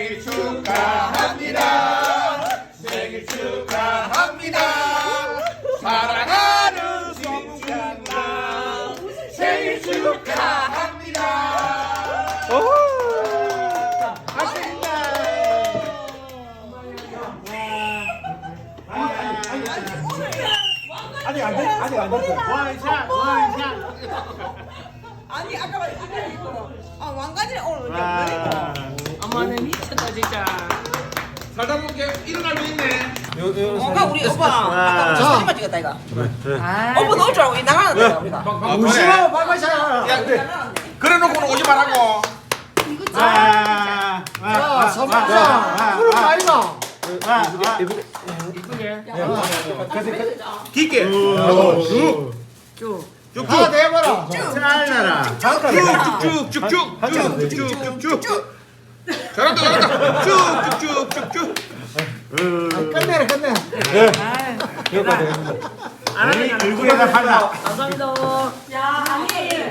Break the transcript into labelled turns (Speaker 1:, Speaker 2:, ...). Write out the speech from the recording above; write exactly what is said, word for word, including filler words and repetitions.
Speaker 1: 생일 축하합니다. 생일 축하합니다. 사랑하는 송구나 생일 축하합니다.
Speaker 2: 아직 안 됐, 아직 안 됐어.
Speaker 1: 원샷 원샷.
Speaker 3: 아니 아까 말 아까 이거 아 왕관이 오늘
Speaker 2: 와.
Speaker 4: 어머는 미쳤다 진짜.
Speaker 1: 살다 보니까 일어날 수 있네.
Speaker 3: 뭔가 우리 오빠 아까
Speaker 2: 자.
Speaker 3: 사진만 찍었다 이거
Speaker 4: 아,
Speaker 3: 오빠 넣을 줄 알고 이 나가는데 우리가
Speaker 1: 아,
Speaker 2: 무시하고
Speaker 1: 그래.
Speaker 2: 빨빨샤.
Speaker 1: 야, 그래. 그래 놓고는 오지 말라고.
Speaker 2: 아,
Speaker 5: 자, 서방사 푸른 아이가
Speaker 4: 이쁘게.
Speaker 1: 깊게.
Speaker 4: 쭉.
Speaker 1: 쭉쭉.
Speaker 5: 다 대봐라.
Speaker 2: 잘나라.
Speaker 1: 쭉쭉쭉쭉쭉. 쭉쭉쭉쭉쭉. 잘한다 잘한다. 쭉쭉쭉쭉쭉.
Speaker 5: 끝내라 끝내.
Speaker 2: 여기까지. 얼굴에다 발라.
Speaker 4: 감사합니다.
Speaker 3: 야 아니